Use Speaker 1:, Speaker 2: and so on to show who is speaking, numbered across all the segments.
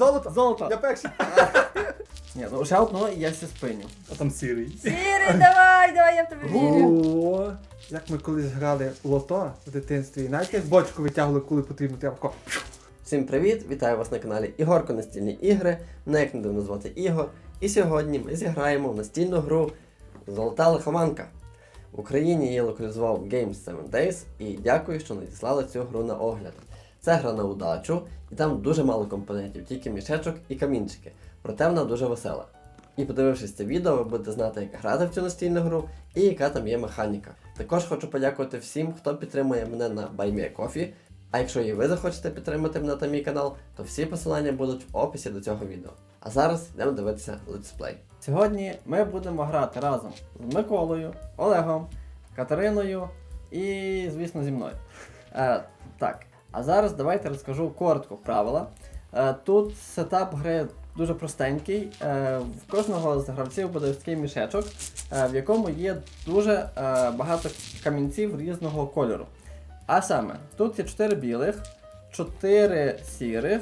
Speaker 1: Золото!
Speaker 2: Золото!
Speaker 1: Я перший!
Speaker 2: Ні, ну ще одно і я все спиню.
Speaker 3: А там сірий.
Speaker 4: Сірий, давай, я в тебе вірю.
Speaker 1: О, як ми колись грали в лото в дитинстві, знаєте, як бочку витягували, коли потрібно, треба тако.
Speaker 5: Всім привіт! Вітаю вас на каналі Ігорко Настільні ігри. Мене як не дивно звати Ігор. І сьогодні ми зіграємо в настільну гру Золота лихоманка. В Україні її локалізував Games 7 Days і дякую, що надіслали цю гру на огляд. Це гра на удачу, і там дуже мало компонентів, тільки мішечок і камінчики. Проте вона дуже весела. І подивившись це відео, ви будете знати, як грати в цю настільну гру і яка там є механіка. Також хочу подякувати всім, хто підтримує мене на BuyMeACoffee. А якщо і ви захочете підтримати мене та мій канал, то всі посилання будуть в описі до цього відео. А зараз йдемо дивитися летсплей.
Speaker 2: Сьогодні ми будемо грати разом з Миколою, Олегом, Катериною і, звісно, зі мною. Так, а зараз давайте розкажу коротко правила. Тут сетап гри дуже простенький. В кожного з гравців буде ось такий мішечок, в якому є дуже багато камінців різного кольору. А саме, тут є 4 білих, 4 сірих,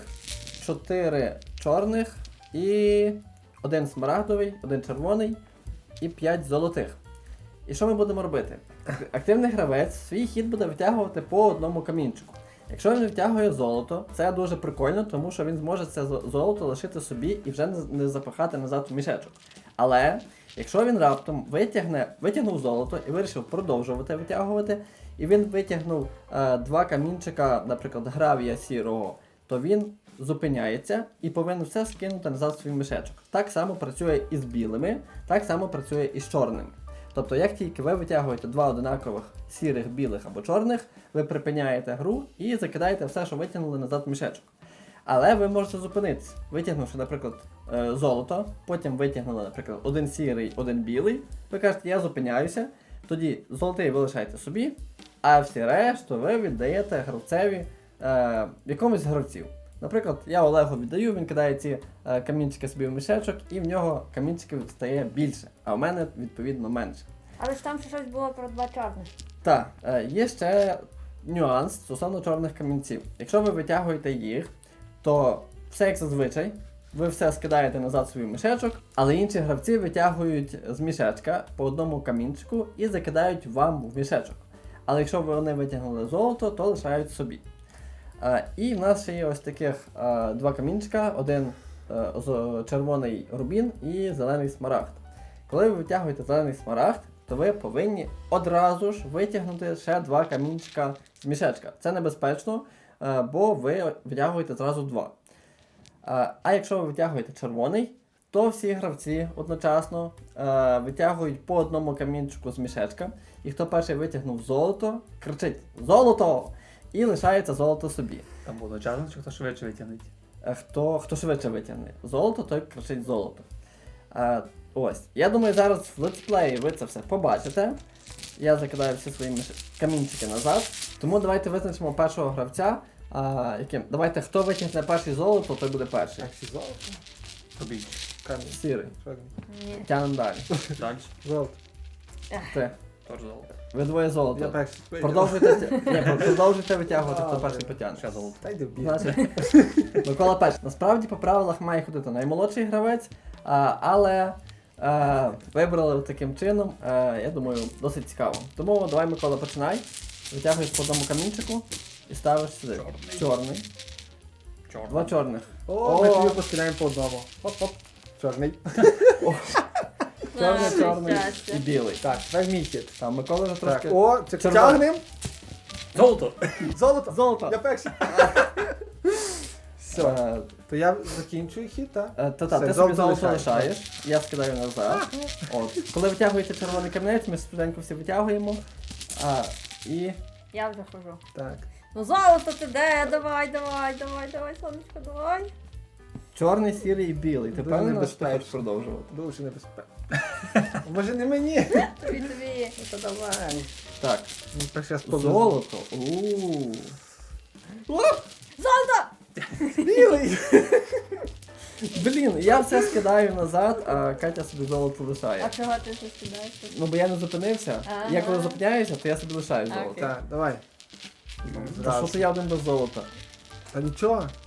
Speaker 2: 4 чорних і 1 смарагдовий, 1 червоний і 5 золотих. І що ми будемо робити? Активний гравець свій хід буде витягувати по одному камінчику. Якщо він витягує золото, це дуже прикольно, тому що він зможе це золото лишити собі і вже не запихати назад в мішечок. Але, якщо він раптом витягнув золото і вирішив продовжувати витягувати, і він витягнув 2 камінчика, наприклад, гравія сірого, то він зупиняється і повинен все скинути назад в свій мішечок. Так само працює і з білими, так само працює і з чорними. Тобто, як тільки ви витягуєте 2 одинакових сірих, білих або чорних, ви припиняєте гру і закидаєте все, що витягнули назад в мішечок. Але ви можете зупинитися, витягнувши, наприклад, золото, потім витягнули, наприклад, 1 сірий, 1 білий, ви кажете, я зупиняюся, тоді золотий ви лишаєте собі, а всі решту ви віддаєте гравцеві, якомусь з гравців. Наприклад, я Олегу віддаю, він кидає ці камінчики собі в мішечок, і в нього камінчиків стає більше, а в мене, відповідно, менше.
Speaker 4: Але ж там ще щось було про 2 чорних.
Speaker 2: Так, є ще нюанс стосовно чорних камінців. Якщо ви витягуєте їх, то все як зазвичай, ви все скидаєте назад в свій мішечок, але інші гравці витягують з мішечка по одному камінчику і закидають вам в мішечок. Але якщо вони витягнули золото, то лишають собі. І в нас ще є ось таких 2 камінчика, один червоний рубін і зелений смарагд. Коли ви витягуєте зелений смарагд, то ви повинні одразу ж витягнути ще 2 камінчика з мішечка. Це небезпечно, бо ви витягуєте зразу 2. А якщо ви витягуєте червоний, то всі гравці одночасно витягують по одному камінчику з мішечка. І хто перший витягнув золото, кричить «Золото!» і лишається золото собі.
Speaker 3: Там було одночасно, чи хто швидше витягнеть?
Speaker 2: Хто швидше витягне золото, той кричить «Золото!». Ось. Я думаю, зараз в летсплеї ви це все побачите. Я закидаю всі свої камінчики назад. Тому давайте визначимо першого гравця. Яким? Давайте, хто витягне перший золото, той буде перший.
Speaker 1: Так, всі золото?
Speaker 3: Тобі.
Speaker 1: Камінь.
Speaker 2: Сірий.
Speaker 1: Чорний.
Speaker 4: Ні.
Speaker 2: Тянем далі.
Speaker 3: Далі.
Speaker 1: Золото.
Speaker 2: Ти.
Speaker 3: Тож золото.
Speaker 2: Ви двоє
Speaker 1: Я
Speaker 2: золото.
Speaker 1: перший.
Speaker 2: Продовжуйте витягувати, хто
Speaker 1: Добре.
Speaker 2: перший потягне.
Speaker 3: Ще золото.
Speaker 1: Та йди в бій.
Speaker 2: Значить, Микола перший. Насправді по правилах має ходити наймолодший гравець, але вибрали таким чином, я думаю, досить цікаво. Тому давай, Микола, починай. Витягуєш по одному камінчику і ставиш сюди.
Speaker 3: Чорний.
Speaker 2: Чорний. 2 чорних.
Speaker 1: О, ми тобі поскидаємо по одному. Хоп-хоп. Чорний.
Speaker 2: Чорний,
Speaker 4: Ай,
Speaker 2: чорний
Speaker 4: щастя.
Speaker 2: і білий.
Speaker 1: Так, тепер мій хід.
Speaker 2: Там Микола вже
Speaker 1: Так,
Speaker 2: трошки...
Speaker 1: о,
Speaker 2: Червоний.
Speaker 1: тягнем.
Speaker 3: Золото!
Speaker 1: Золото.
Speaker 2: Золото!
Speaker 1: Я перший. Все. То я закінчую хід, так?
Speaker 2: Та-та,
Speaker 1: Все,
Speaker 2: ти собі
Speaker 1: золото
Speaker 2: золото
Speaker 1: лишаєш.
Speaker 2: лишаєш, я скидаю назад. От. Коли витягуєте червоний камінець, ми швиденько всі витягуємо. І...
Speaker 4: Я вже хожу.
Speaker 1: Так.
Speaker 4: Ну золото ти де? Давай, сонечко, давай.
Speaker 2: Чорний, сірий і білий. Ти
Speaker 1: Дуже
Speaker 2: певний, що ти
Speaker 1: небезпечно.
Speaker 2: хочеш продовжувати?
Speaker 1: Дуже небезпечно. Може не мені?
Speaker 4: Тобі.
Speaker 1: Та давай.
Speaker 2: Так.
Speaker 1: Ну, перший раз повезло.
Speaker 2: Золото. Ууу.
Speaker 4: Золото!
Speaker 1: Білий.
Speaker 2: Блін, я все скидаю назад, а Катя собі золото лишає.
Speaker 4: А чого ти це скидаєш?
Speaker 2: Ну бо я не зупинився.
Speaker 4: Ага.
Speaker 2: Я коли зупиняюся, то я собі лишаю золото.
Speaker 4: Окей.
Speaker 1: Так, давай.
Speaker 2: Та що то я один без золота?
Speaker 1: Та нічого.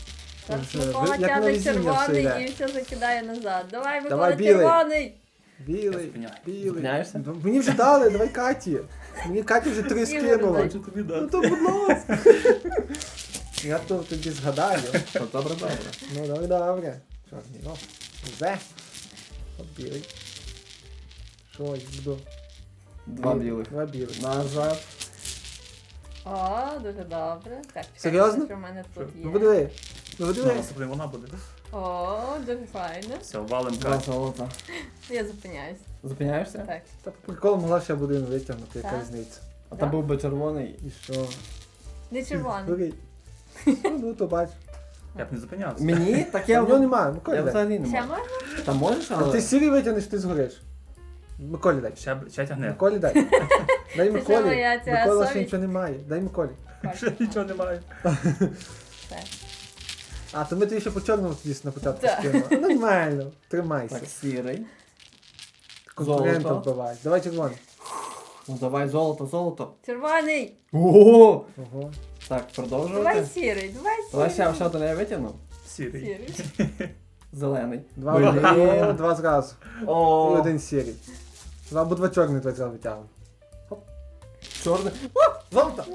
Speaker 4: Зараз
Speaker 1: Це
Speaker 4: Микола
Speaker 1: як на
Speaker 4: тягне
Speaker 1: везіння все
Speaker 4: червоний
Speaker 1: йде.
Speaker 4: і все закидає назад. Давай, Микола,
Speaker 1: Давай, білий.
Speaker 4: червоний!
Speaker 1: Білий,
Speaker 3: Зупиняй.
Speaker 1: білий.
Speaker 2: Зупиняєшся?
Speaker 1: Ну, мені вже дали, давай Каті. Мені Каті вже 3 скинула.
Speaker 4: дай.
Speaker 3: Хочу тобі
Speaker 1: Ну
Speaker 3: дати.
Speaker 1: то будь ласка. Я то тобі згадаю.
Speaker 2: Добре, добре.
Speaker 1: Ну добре, добре. Чорний, о. Зе. От білий. Що, я буду?
Speaker 2: Два білих.
Speaker 1: Два білих.
Speaker 2: Назад.
Speaker 4: О, дуже добре. Так, чекай,
Speaker 1: Серйозно?
Speaker 4: що в мене тут
Speaker 1: Ну
Speaker 4: є.
Speaker 1: подиви. Ну
Speaker 3: Ну,
Speaker 1: подиви.
Speaker 3: наступний вона буде.
Speaker 4: О, дуже файно.
Speaker 3: Все, валим
Speaker 2: Два
Speaker 3: Катю.
Speaker 2: золота.
Speaker 4: Я зупиняюсь.
Speaker 2: Зупиняєшся?
Speaker 4: Так.
Speaker 1: Та по приколу могла ще буде витягнути, яка
Speaker 4: Так.
Speaker 1: різниця.
Speaker 2: А там був би червоний.
Speaker 1: І що?
Speaker 4: Не червоний.
Speaker 1: Бери. Ну то бач.
Speaker 3: Я б не зупинявся.
Speaker 2: Мені? Так
Speaker 1: А
Speaker 2: я
Speaker 1: в нього немає, Миколі
Speaker 2: Я
Speaker 1: дай.
Speaker 2: взагалі не
Speaker 4: Ще
Speaker 2: можу.
Speaker 4: можна?
Speaker 2: Та можеш,
Speaker 1: А
Speaker 2: але...
Speaker 1: ти сірий витягнеш, ти згориш. Миколі дай.
Speaker 3: Ще тягне.
Speaker 1: Миколі дай. Дай
Speaker 4: що,
Speaker 1: Миколі.
Speaker 4: моя ця
Speaker 1: Микола ще
Speaker 4: совість?
Speaker 1: нічого немає. Дай Миколі.
Speaker 3: Ще нічого немає.
Speaker 4: Так.
Speaker 1: А, то ми тобі ще по чорному тоді на початку
Speaker 4: Так.
Speaker 1: скинули. Ну, нормально. Тримайся.
Speaker 2: Так, сірий.
Speaker 1: Конкурента
Speaker 2: золото.
Speaker 1: вбивай. Давай червоний.
Speaker 2: Ну давай золото, золото.
Speaker 4: Червоний!
Speaker 2: Ого!
Speaker 1: Ого.
Speaker 2: Так,
Speaker 4: Давай
Speaker 2: продовжувати.
Speaker 4: сірий, давай
Speaker 2: Давай
Speaker 4: сірий.
Speaker 2: ще один я витягну.
Speaker 3: Сірий.
Speaker 4: Сірий.
Speaker 2: Зелений.
Speaker 1: Два,
Speaker 2: Блін.
Speaker 1: О, два зразу. І
Speaker 2: О,
Speaker 1: один сірий. Два або два чорних два зразу витягнемо.
Speaker 2: чорний.
Speaker 1: Золото!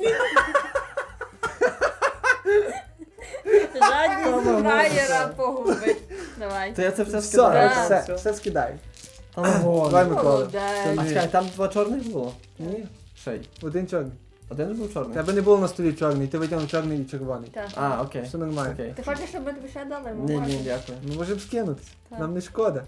Speaker 4: Жадність фраєра погубить. Давай.
Speaker 2: То я це все
Speaker 1: Все,
Speaker 2: скидаю.
Speaker 4: Да.
Speaker 1: все скидай.
Speaker 2: Та ну,
Speaker 1: Давай,
Speaker 2: ладно.
Speaker 1: Микола.
Speaker 4: Молодець.
Speaker 2: А чекай, там два чорних було?
Speaker 1: Ні,
Speaker 2: Ще й.
Speaker 1: один чорний.
Speaker 2: Один був чорний?
Speaker 1: Тебе не було на столі чорний, ти витягнув чорний і червоний.
Speaker 4: Так.
Speaker 2: А, окей.
Speaker 1: Все нормально.
Speaker 2: Окей.
Speaker 4: Ти хочеш, щоб ми тобі ще дали? Ми
Speaker 2: Ні, ні,
Speaker 4: можемо.
Speaker 2: дякую.
Speaker 1: Ми можемо скинутися.
Speaker 4: Так.
Speaker 1: Нам не шкода.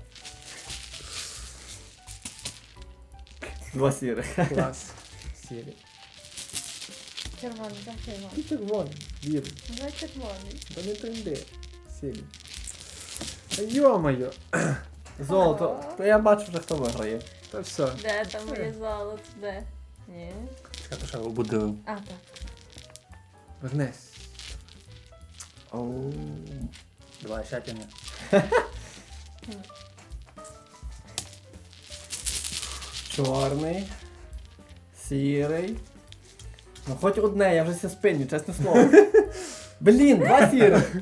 Speaker 2: Два сірих.
Speaker 1: Клас. Сірий.
Speaker 4: Червоний, так
Speaker 1: І
Speaker 4: червоний.
Speaker 1: червоний. Білий.
Speaker 4: Давай червоний.
Speaker 1: Та не тренди. Сірий. Та йо-моє.
Speaker 2: Золото. То я бачу вже хто виграє.
Speaker 1: Та все.
Speaker 4: Де там моє золото? Де? Ні.
Speaker 3: Я то ще обудив.
Speaker 4: А, так.
Speaker 1: Вернись.
Speaker 2: Оу.
Speaker 3: Давай, ще тягне.
Speaker 2: Чорний. Сірий. Ну хоч одне, я вже ся спиню, чесне слово. Блін, два сірих.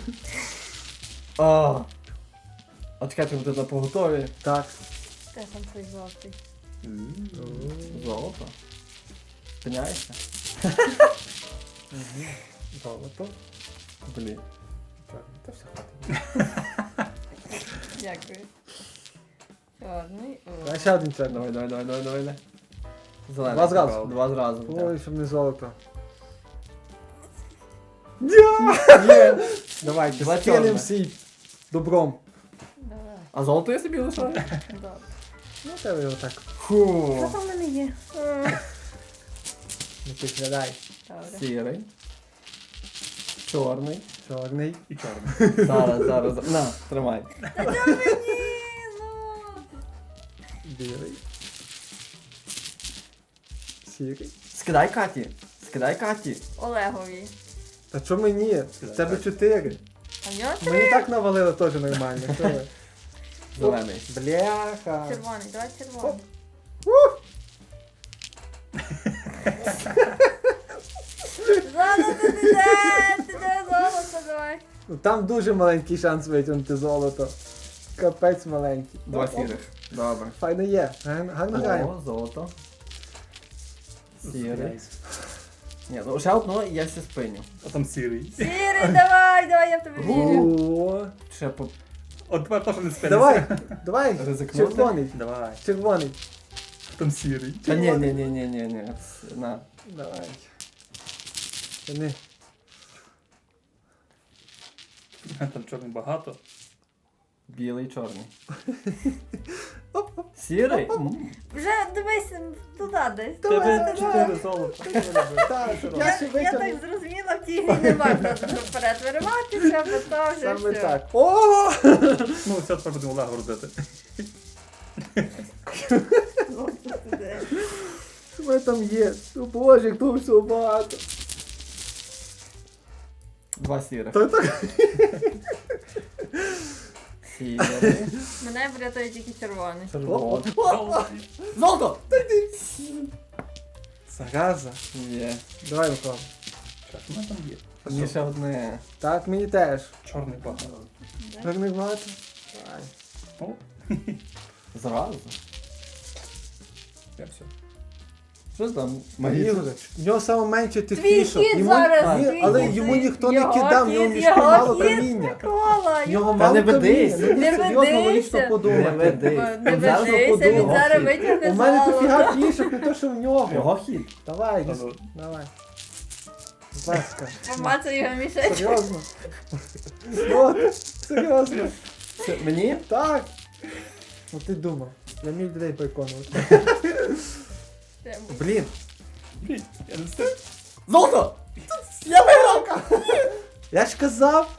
Speaker 2: А чекайте, ви тут на поготові.
Speaker 1: Так.
Speaker 4: Де там твій золотий?
Speaker 2: Золото. Спиняєшся?
Speaker 1: Золото.
Speaker 2: Блін.
Speaker 1: Чорний. Та все хватить.
Speaker 4: Дякую. Чорний. О.
Speaker 1: А ще один чорний.
Speaker 2: Давай. Зелений.
Speaker 1: Два зразу.
Speaker 2: Два зразу.
Speaker 1: Ой, щоб не золото.
Speaker 2: Є.
Speaker 1: Давайте,
Speaker 2: Два
Speaker 1: скинем
Speaker 2: чорних.
Speaker 1: всі добром.
Speaker 4: Давай.
Speaker 2: А золото я собі лишаю?
Speaker 4: Добре.
Speaker 1: Ну, тебе його так.
Speaker 4: Що
Speaker 2: Фу.
Speaker 4: там в мене є?
Speaker 1: Не підглядай.
Speaker 4: Добре.
Speaker 2: Сірий. Чорний.
Speaker 1: Чорний.
Speaker 3: І чорний.
Speaker 2: Зараз. На, тримай.
Speaker 4: Ні, ну.
Speaker 1: Білий. Сірий.
Speaker 2: Скидай Каті.
Speaker 4: Олегові.
Speaker 1: Та що мені? В тебе 4.
Speaker 4: А в нього
Speaker 1: Мені так навалило теж нормально. Що ви?
Speaker 2: Зелений.
Speaker 1: Бляха.
Speaker 4: червоний, давай червоний. Золото ти де золото, давай.
Speaker 1: Ну, там дуже маленький шанс витягнути золото. Капець маленький.
Speaker 2: Два сірих. Добре.
Speaker 1: Файно є. Гарно граємо.
Speaker 2: О, золото. Сірий.
Speaker 3: Зупиняйся.
Speaker 2: Ні, ну ще одно і я все спиню.
Speaker 3: А там сірий.
Speaker 4: Сірий, давай, я в тебе вірю.
Speaker 1: О,
Speaker 2: Ще по...
Speaker 3: От тепер теж не спинися.
Speaker 1: давай.
Speaker 2: Ризикнути?
Speaker 1: Червоний.
Speaker 3: Давай.
Speaker 1: Червоний.
Speaker 3: Там сірий.
Speaker 2: Та ні. На.
Speaker 1: Давай. Не.
Speaker 3: Там чорний багато.
Speaker 2: Білий, чорний. Сірий?
Speaker 4: Вже дивись туди десь.
Speaker 3: Тебе 4 золота.
Speaker 1: Так, я
Speaker 4: Я
Speaker 1: ще
Speaker 4: так
Speaker 1: витягнув.
Speaker 4: зрозуміла, в тій грі не можна вперед вириватися, бо то вже
Speaker 1: Саме
Speaker 4: все.
Speaker 1: так. О!
Speaker 3: Ну, все, тепер будемо Олега родити.
Speaker 4: Золото туди.
Speaker 1: Що там є? О боже, як того всього багато.
Speaker 2: Два сірих.
Speaker 1: Та так.
Speaker 2: Сірий.
Speaker 4: Мене врятує тільки червоний.
Speaker 2: Червоний. Золото!
Speaker 1: Зараза.
Speaker 2: Є.
Speaker 1: Давай, Микола.
Speaker 3: Так, що в мене там є?
Speaker 2: Мені ще одне.
Speaker 1: Так, мені теж.
Speaker 3: Чорний багато.
Speaker 1: Так не багато. Давай.
Speaker 3: О,
Speaker 2: Зразу.
Speaker 3: я все.
Speaker 2: Що там?
Speaker 1: Ігор, в нього саме менше тих
Speaker 4: Твій
Speaker 1: фішок.
Speaker 4: хід
Speaker 1: Йому-
Speaker 4: зараз,
Speaker 1: ні,
Speaker 4: твій
Speaker 1: але
Speaker 4: хід.
Speaker 1: йому ніхто не
Speaker 4: Його
Speaker 1: кидав, в нього
Speaker 4: хід,
Speaker 1: мішки
Speaker 4: його
Speaker 1: мало
Speaker 4: хід,
Speaker 1: каміння.
Speaker 4: Микола,
Speaker 1: В нього
Speaker 2: Та
Speaker 1: мало
Speaker 2: не ведись.
Speaker 1: каміння. Ну,
Speaker 4: Не
Speaker 1: серйозно,
Speaker 4: ведися.
Speaker 1: логічно
Speaker 2: Не
Speaker 1: подумати.
Speaker 2: ведись.
Speaker 4: Не
Speaker 2: Зараз
Speaker 4: ведися, він
Speaker 2: подумав.
Speaker 4: зараз витягне
Speaker 1: У мене
Speaker 4: золото.
Speaker 1: дофіга фішок, не то, що в нього.
Speaker 2: Його хід.
Speaker 1: Давай,
Speaker 3: Та ну.
Speaker 1: давай. Будь ласка.
Speaker 4: Помацай його мішечок.
Speaker 1: Серйозно. От, серйозно.
Speaker 2: Це мені?
Speaker 1: Так. Ну ти думав. Я міг людей переконувати. Блін.
Speaker 3: Блін, я не встиг.
Speaker 2: Золото! Я виграв!
Speaker 1: Я ж казав.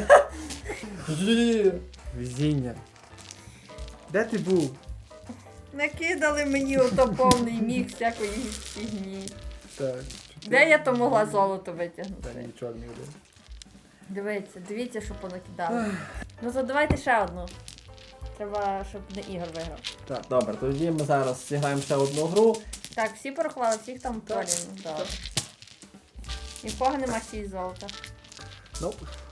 Speaker 2: Є.
Speaker 1: Везіння. Де ти був?
Speaker 4: Накидали мені ото повний міг всякої фігні.
Speaker 1: Так.
Speaker 4: Де я то могла золото
Speaker 1: Та
Speaker 4: витягнути?
Speaker 1: нічого не буде.
Speaker 4: Дивіться, що понакидали. Ну то давайте ще одну. Треба, щоб не Ігор виграв.
Speaker 1: Так.
Speaker 2: Добре, тоді ми зараз зіграємо ще одну гру.
Speaker 4: Так, всі порахували, всіх там
Speaker 1: Так.
Speaker 4: порівну. Добре. Нікого нема 6 золота.
Speaker 1: Ну,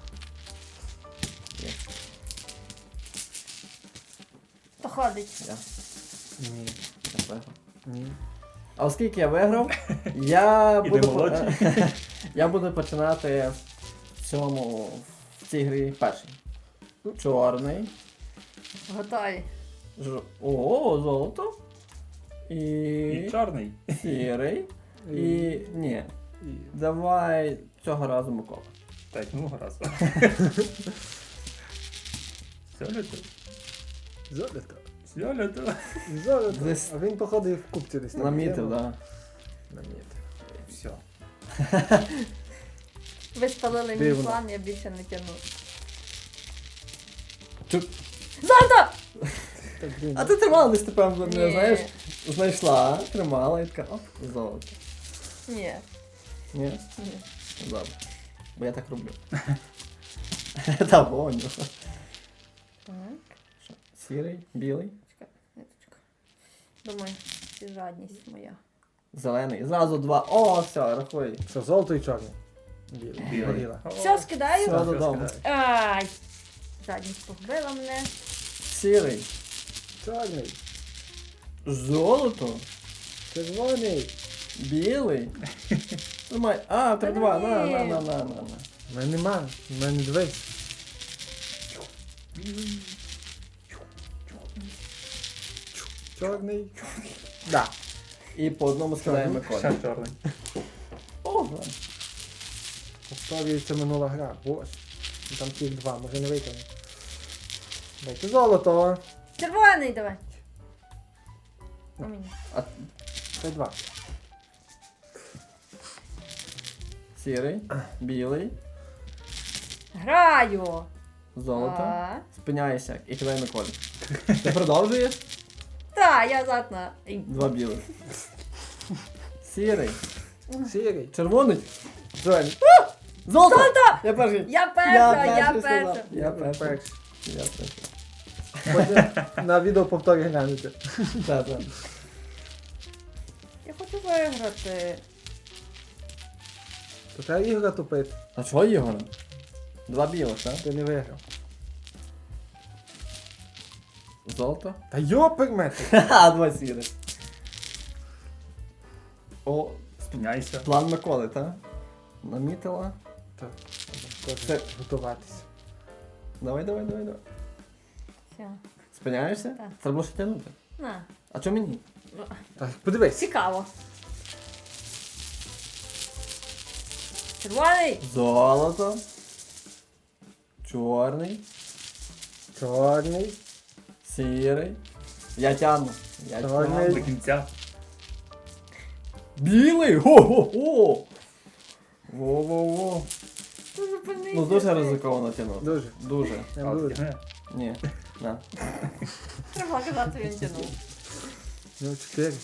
Speaker 4: То ходить.
Speaker 2: Я,
Speaker 1: ні.
Speaker 2: я виграв.
Speaker 1: Ні.
Speaker 2: А оскільки я виграв, я
Speaker 3: Іди
Speaker 2: буду,
Speaker 3: молодший.
Speaker 2: я буду починати в цій грі перший. Чорний.
Speaker 4: Готові.
Speaker 2: О, золото.
Speaker 3: І
Speaker 2: І
Speaker 3: чорний.
Speaker 2: сірий. І. Ні.
Speaker 1: І...
Speaker 2: Давай цього разу Микола.
Speaker 3: Так, ну раз. Сьолето.
Speaker 1: Золото.
Speaker 3: Сьолето.
Speaker 1: Золото.
Speaker 2: Десь-
Speaker 1: А він походив в купці десь. там.
Speaker 2: Намітив, так. Да.
Speaker 1: Намітив.
Speaker 3: Все.
Speaker 4: Ви спалили мій
Speaker 1: Дивно.
Speaker 4: план, я більше не тягну.
Speaker 2: Чу-
Speaker 4: Золото!
Speaker 1: Так, блін.
Speaker 2: А ти тримала десь тепер мене,
Speaker 4: Ні.
Speaker 2: знаєш, знайшла, тримала і така, оп, золото.
Speaker 4: Ні.
Speaker 2: Ні?
Speaker 4: Ні.
Speaker 2: Добре. Бо я так роблю. Та воню.
Speaker 4: Так.
Speaker 2: Що, сірий, білий,
Speaker 4: Ниточка. Думаю, це жадність моя.
Speaker 2: зелений. Зразу два. О, все, рахуй.
Speaker 1: Що, золото і чорне? Біле.
Speaker 3: Білий.
Speaker 1: Горіла.
Speaker 4: Все, скидаю?
Speaker 2: Все додому.
Speaker 4: Ай! Жадність погубила мене.
Speaker 2: Сірий.
Speaker 1: Чорний.
Speaker 2: Золото.
Speaker 1: Червоний.
Speaker 2: Білий. Тримай. А, 3-2. На.
Speaker 1: У мене нема. У мене дивись. Чорний. Да.
Speaker 2: І по одному скидаємо
Speaker 3: Ще
Speaker 2: Миколі.
Speaker 3: чорний.
Speaker 2: О, да.
Speaker 1: Повторюється минула гра. Боже. Ну, там тих два, може не витягне. Дайте золото.
Speaker 4: Червоний давай. У мене.
Speaker 1: Це два.
Speaker 2: Сірий, білий,
Speaker 4: Граю.
Speaker 2: золото.
Speaker 4: А.
Speaker 2: Спиняйся і кидай Миколі. Ти продовжуєш?
Speaker 4: Та, я задна. Ей.
Speaker 2: Два білих. Сірий.
Speaker 1: Сірий.
Speaker 2: Червоний.
Speaker 1: Зелений.
Speaker 2: Золото! Я перший.
Speaker 4: Я перша, я
Speaker 2: перший
Speaker 4: перша.
Speaker 2: сказав. Я перший.
Speaker 1: Перший.
Speaker 2: Я перший.
Speaker 1: Потім на відео повторі глянути.
Speaker 2: Так, так.
Speaker 4: Я хочу виграти.
Speaker 1: То треба ігра тупити.
Speaker 2: А чого Ігор? Два білих, так?
Speaker 1: Ти не виграв.
Speaker 2: Золото.
Speaker 1: Та йопермети.
Speaker 2: Ха, два сірих. О,
Speaker 3: Спиняйся.
Speaker 2: план Миколи, так? Намітила.
Speaker 1: Так.
Speaker 2: Це-
Speaker 1: Теж готуватися.
Speaker 2: Давай.
Speaker 4: Все.
Speaker 2: Спиняєшся?
Speaker 4: Так.
Speaker 2: Треба було ще тягнути.
Speaker 4: На.
Speaker 2: А чого мені?
Speaker 1: Так, подивись.
Speaker 4: Цікаво. Червоний.
Speaker 2: Золото. Чорний.
Speaker 1: Чорний.
Speaker 2: Сірий. Я тягну. Я
Speaker 1: Чорний.
Speaker 2: тягну.
Speaker 3: До кінця.
Speaker 2: Білий! Го-го-го! Во-во-во.
Speaker 4: Ну, зупинися.
Speaker 2: Ну дуже ризиковано тягнути.
Speaker 1: Дуже.
Speaker 2: Дуже.
Speaker 1: Не
Speaker 3: А,
Speaker 1: дуже.
Speaker 3: тягне.
Speaker 2: Ні. На.
Speaker 4: Треба казати, він тянув.
Speaker 1: Ну, 4.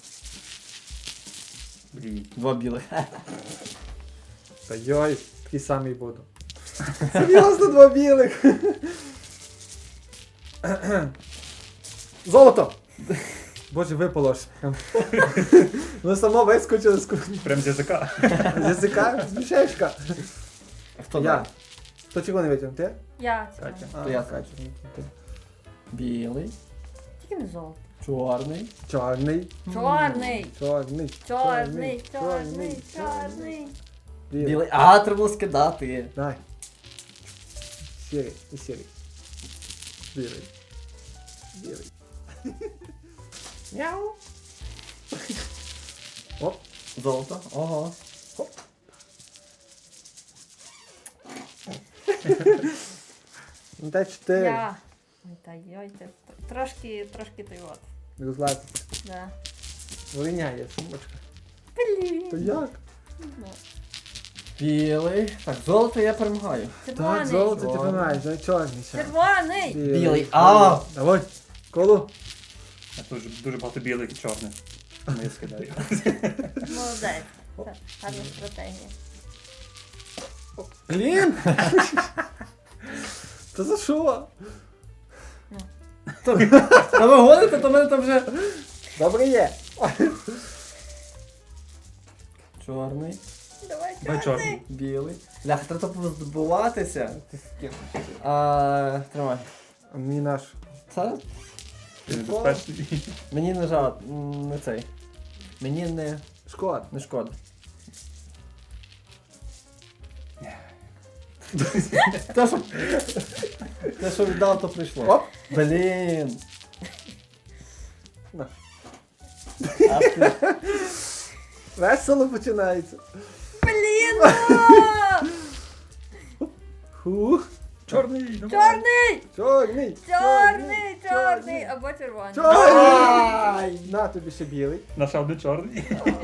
Speaker 3: Блін.
Speaker 2: Два білих.
Speaker 1: Та йой, такий самий буду. Серйозно, два білих. Золото! Боже, випало ж. Ну само вискочило з
Speaker 3: Прям з язика.
Speaker 1: язика, з мішечка.
Speaker 2: Хто
Speaker 1: Я.
Speaker 2: далі?
Speaker 1: Хто чого не витягнув? Ти?
Speaker 4: Я
Speaker 3: Катя.
Speaker 4: цього.
Speaker 2: То я
Speaker 1: Катя.
Speaker 2: Білий,
Speaker 4: Тільки не золото.
Speaker 2: чорний,
Speaker 1: Чорний.
Speaker 4: Чорний.
Speaker 1: Чорний.
Speaker 4: Чорний, чорний, чорний.
Speaker 2: білий. А, треба було скидати.
Speaker 1: Давай. Сірий. І сірий. Білий. Білий. Мяу. Оп.
Speaker 2: Золото. Ого.
Speaker 1: Ну дай 4.
Speaker 4: Я. Ой, та йой, ти. Трошки той от.
Speaker 1: Розладь.
Speaker 4: Да.
Speaker 1: Виняє сумочка. То
Speaker 4: Блін.
Speaker 1: як?
Speaker 4: Ну,
Speaker 2: Білий. Так, золото я перемагаю.
Speaker 1: Так,
Speaker 4: Червоний.
Speaker 1: золото ти
Speaker 2: Чорний.
Speaker 1: помагаєш, дай чорний ще.
Speaker 4: Червоний.
Speaker 2: Білий. А!
Speaker 1: Давай. Колу.
Speaker 3: А тут дуже багато білих і чорних. Тому я скидаю.
Speaker 4: Молодець. Це гарна стратегія.
Speaker 1: Блін! Та за що?
Speaker 2: Та ви гоните, то в мене там вже.
Speaker 1: Добре є.
Speaker 2: Чорний,
Speaker 4: Давай
Speaker 3: Давай
Speaker 4: чорний.
Speaker 3: чорний.
Speaker 2: білий. Лях, треба позбуватися. Тримай.
Speaker 1: А мені наш.
Speaker 2: Це?
Speaker 3: Ти небезпечний.
Speaker 2: Мені не жалко, не цей. Мені
Speaker 1: Шкода.
Speaker 2: не шкода. Те, що віддав, то прийшло.
Speaker 1: Оп.
Speaker 2: Блін.
Speaker 1: На.
Speaker 2: Ах ти.
Speaker 1: Весело починається.
Speaker 4: Блін!
Speaker 1: Хух.
Speaker 3: Чорний, давай.
Speaker 4: Чорний!
Speaker 1: Чорний.
Speaker 4: Чорний! Чорний! Або червоний.
Speaker 1: Чорний. На тобі ще білий.
Speaker 3: Наша одне чорний.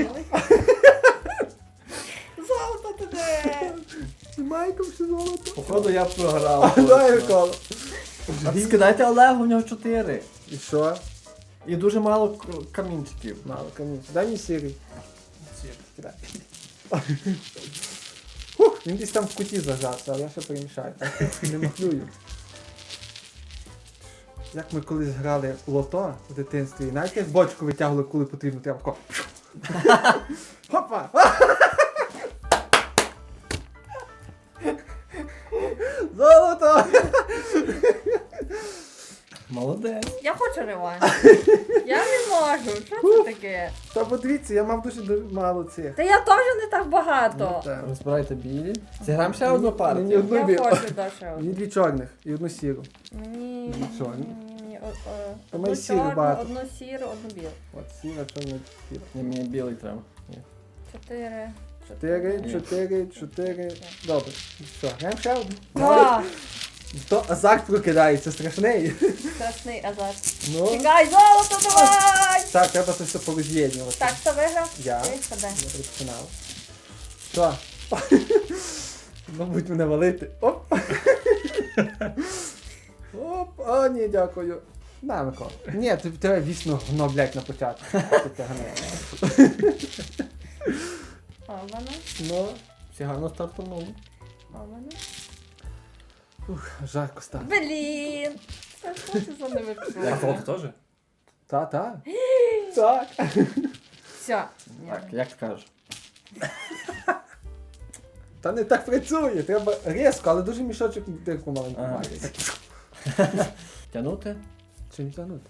Speaker 4: Золото туди!
Speaker 1: З майком ще золото.
Speaker 2: Походу я програв.
Speaker 1: Дай коло.
Speaker 2: А скидайте Олегу, у нього 4.
Speaker 1: І що?
Speaker 2: І дуже мало камінчиків.
Speaker 1: Мало камінь. Дай мені сірий. Кидай. Хух, він десь там в куті зажався, але я ще перемішаю. Не махлюю. Як ми колись грали в лото в дитинстві, знаєте, як бочку витягували, коли потрібно, треба тако. Хопа! Золото!
Speaker 2: Молодець.
Speaker 4: Я хочу реванш. Я не можу. Що це таке?
Speaker 1: Та подивіться, я мав дуже мало цих.
Speaker 4: Та я теж не так багато.
Speaker 1: Ну, так.
Speaker 2: Розбирайте білі. Зіграємо ще одну
Speaker 1: Мені
Speaker 2: партію.
Speaker 1: одну
Speaker 4: Я
Speaker 1: білу.
Speaker 4: хочу Даша.
Speaker 1: Мені дві чорних і одну сіру.
Speaker 4: Мені.
Speaker 1: Що?
Speaker 4: Мені
Speaker 1: Та
Speaker 4: одну
Speaker 1: ми сіру
Speaker 4: чорну,
Speaker 1: багато.
Speaker 4: одну сіру, одну білу.
Speaker 1: От сіра, чорна, сіра.
Speaker 2: Ні, мені білий треба. Ні.
Speaker 4: 4.
Speaker 1: 4. Добре. Що, граємо ще одну?
Speaker 4: Два.
Speaker 1: То азарт прокидається, страшний.
Speaker 4: Страшний азарт.
Speaker 1: Ну,
Speaker 4: Чекай, золото давай!
Speaker 1: так, треба це все пороз'єднювати.
Speaker 4: Так, хто виграв?
Speaker 1: Я.
Speaker 4: Ти, ходи.
Speaker 1: Я розпочинав. Що? Мабуть, мене валити. Оп! Оп! О, ні, дякую. На, Микола. Ні, тебе вічно гно, блядь, на початку. Ти тягне.
Speaker 4: Ована.
Speaker 1: Ну,
Speaker 2: Всі гарно стартанули.
Speaker 4: Ована.
Speaker 1: жарко стало.
Speaker 4: Блін! Це що це за
Speaker 3: А
Speaker 4: невипадково?
Speaker 3: золото теж?
Speaker 1: Та. Так.
Speaker 4: Все.
Speaker 2: Так, як скажеш.
Speaker 1: Та не так працює, треба різко, але дуже мішочок дирку маленьку
Speaker 2: Ага.
Speaker 1: має.
Speaker 2: Тянути?
Speaker 1: Чи не тягнути?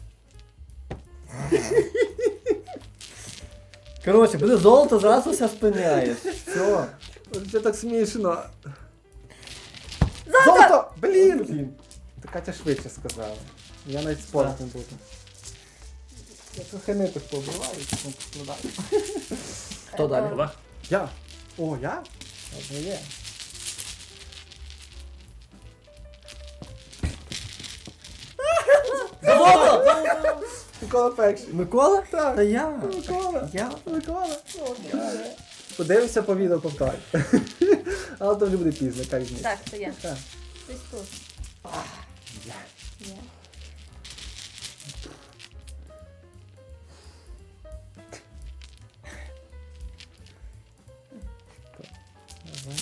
Speaker 2: Коротше, буде золото, зразу все спиняєш. Все.
Speaker 1: Це так смішно.
Speaker 4: Золото!
Speaker 1: Золото! Блін! Та Катя швидше сказала. Я навіть спорт не буду. Я трохи ниток побиваю, потім поскладаю.
Speaker 2: Хто далі?
Speaker 3: Олег?
Speaker 1: Я? О, я? Одне є.
Speaker 2: Золото!
Speaker 1: Микола перший.
Speaker 2: Микола?
Speaker 1: Так.
Speaker 2: Та я.
Speaker 1: Микола.
Speaker 2: Я.
Speaker 1: Микола. Подивимося по відео повторю. Але то вже буде пізно, яка різниця.
Speaker 4: Так, це я.
Speaker 1: Так.
Speaker 4: Десь тут.
Speaker 1: Я.
Speaker 4: Є.
Speaker 1: Давай.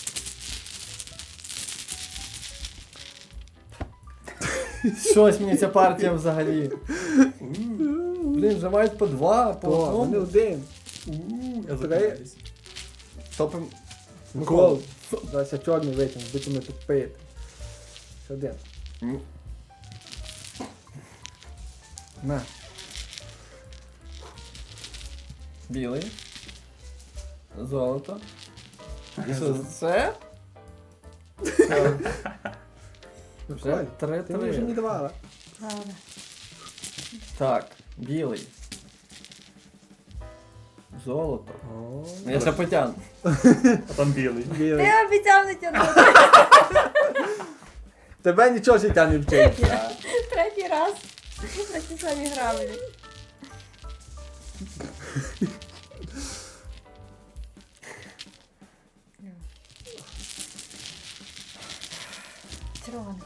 Speaker 2: Щось мені ця партія взагалі.
Speaker 1: Блін,
Speaker 2: Блін, вже мають по два, по
Speaker 1: То, вони
Speaker 2: одному.
Speaker 1: один.
Speaker 3: Я
Speaker 1: Три.
Speaker 3: зупиняюсь.
Speaker 2: Топим.
Speaker 1: Микола. Зараз я чорний витягну, будемо тут пити. Ще один.
Speaker 2: М.
Speaker 1: На.
Speaker 2: Білий. Золото. І що, це? Вже
Speaker 1: Ти мені вже не
Speaker 2: 3-3.
Speaker 1: давала.
Speaker 4: Правда.
Speaker 2: Так, білий. Золото.
Speaker 1: О,
Speaker 2: Я ще потягну.
Speaker 3: А там білий.
Speaker 1: білий.
Speaker 4: Ти обіцяв не тягнути.
Speaker 1: Тебе нічого життя не вчить.
Speaker 4: Третій раз. На ті самі граблі. Червоний.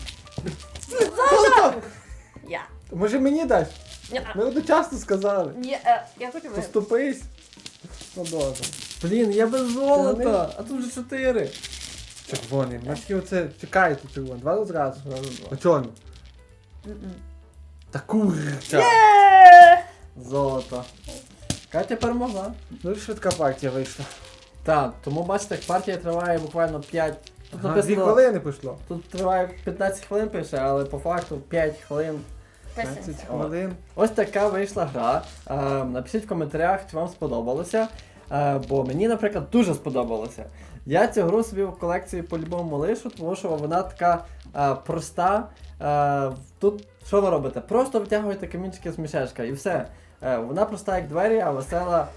Speaker 4: Я.
Speaker 1: Може мені дасть?
Speaker 4: Ні,
Speaker 1: Ми одночасно сказали.
Speaker 4: ні, я хочу виграти.
Speaker 1: Поступись. Ну добре.
Speaker 2: Блін, я без
Speaker 1: Червоний?
Speaker 2: золота, а тут вже 4.
Speaker 1: Червоний. У нас є оце, чекайте червоний. Два зразу.
Speaker 2: Зразу два.
Speaker 1: А чорний?
Speaker 4: М-м.
Speaker 1: Та курча.
Speaker 4: Є!
Speaker 2: Золото. Катя перемогла.
Speaker 1: Ну і швидка партія вийшла.
Speaker 2: Так, тому бачите, партія триває буквально 5. Тут
Speaker 1: Ага, 2
Speaker 2: написано,
Speaker 1: хвилини пішло.
Speaker 2: тут триває 15 хвилин пише, але по факту 5 хвилин.
Speaker 1: 15
Speaker 4: Писанці.
Speaker 1: хвилин.
Speaker 2: Ось така вийшла гра. Напишіть в коментарях, чи вам сподобалося. Бо мені, наприклад, дуже сподобалося. Я цю гру собі в колекції по-любому лишу, тому що вона така проста. Тут що ви робите? Просто витягуєте камінчики з мішечка і все. Вона проста як двері, а весела.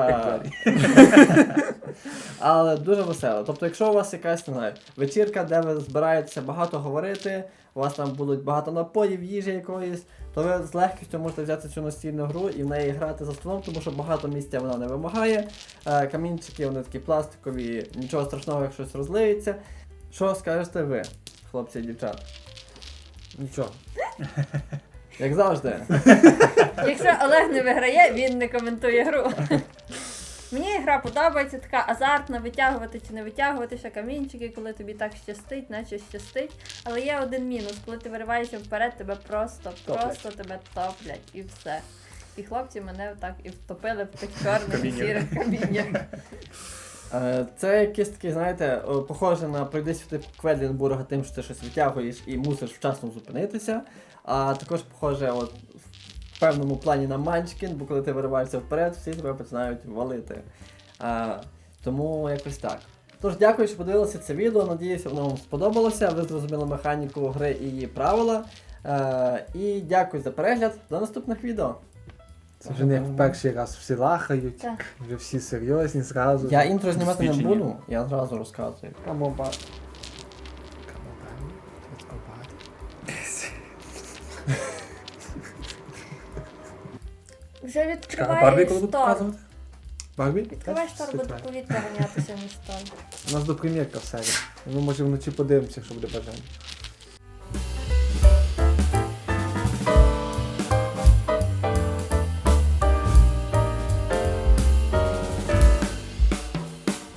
Speaker 2: Але дуже весела. Тобто, якщо у вас якась, не знаю, вечірка, де ви збираєтеся багато говорити, у вас там будуть багато напоїв, їжі якоїсь, то ви з легкістю можете взяти цю настільну гру і в неї грати за столом, тому що багато місця вона не вимагає. Камінчики, вони такі пластикові, нічого страшного, як щось розлиється. Що скажете ви, хлопці і дівчата?
Speaker 1: Нічого.
Speaker 2: Як завжди.
Speaker 4: Якщо Олег не виграє, він не коментує гру. Мені гра подобається, така азартна, витягувати чи не витягувати ще камінчики, коли тобі так щастить, наче щастить. Але є один мінус, коли ти вириваєшся вперед, тебе просто тебе топлять і все. І хлопці мене так і втопили в тих чорних і
Speaker 3: Каміннях.
Speaker 4: сірих каміннях.
Speaker 2: Це якесь таке, знаєте, похоже на пройди світи Кведлінбурга тим, що ти щось витягуєш і мусиш вчасно зупинитися. А також похоже от, в певному плані на Манчкін, бо коли ти вириваєшся вперед, всі тебе починають валити. Тому якось так. Тож дякую, що подивилися це відео. Надіюся, воно вам сподобалося. Ви зрозуміли механіку гри і її правила. І дякую за перегляд. До наступних відео.
Speaker 1: Це вже не як в перший раз всі лахають,
Speaker 4: Так.
Speaker 1: вже всі серйозні зразу.
Speaker 2: Я інтро знімати не
Speaker 3: Досвідчені.
Speaker 2: буду, я одразу розказую.
Speaker 1: Камоба.
Speaker 4: Вже
Speaker 3: Барбі
Speaker 4: відкриваєш
Speaker 3: коли будуть
Speaker 4: шторм.
Speaker 3: показувати?
Speaker 1: Барбі?
Speaker 4: Відкриваєш шторм, буде повітря ганятися між шторм.
Speaker 1: У нас до прем'єрка в серії. Ми може вночі подивимося, якщо буде бажання.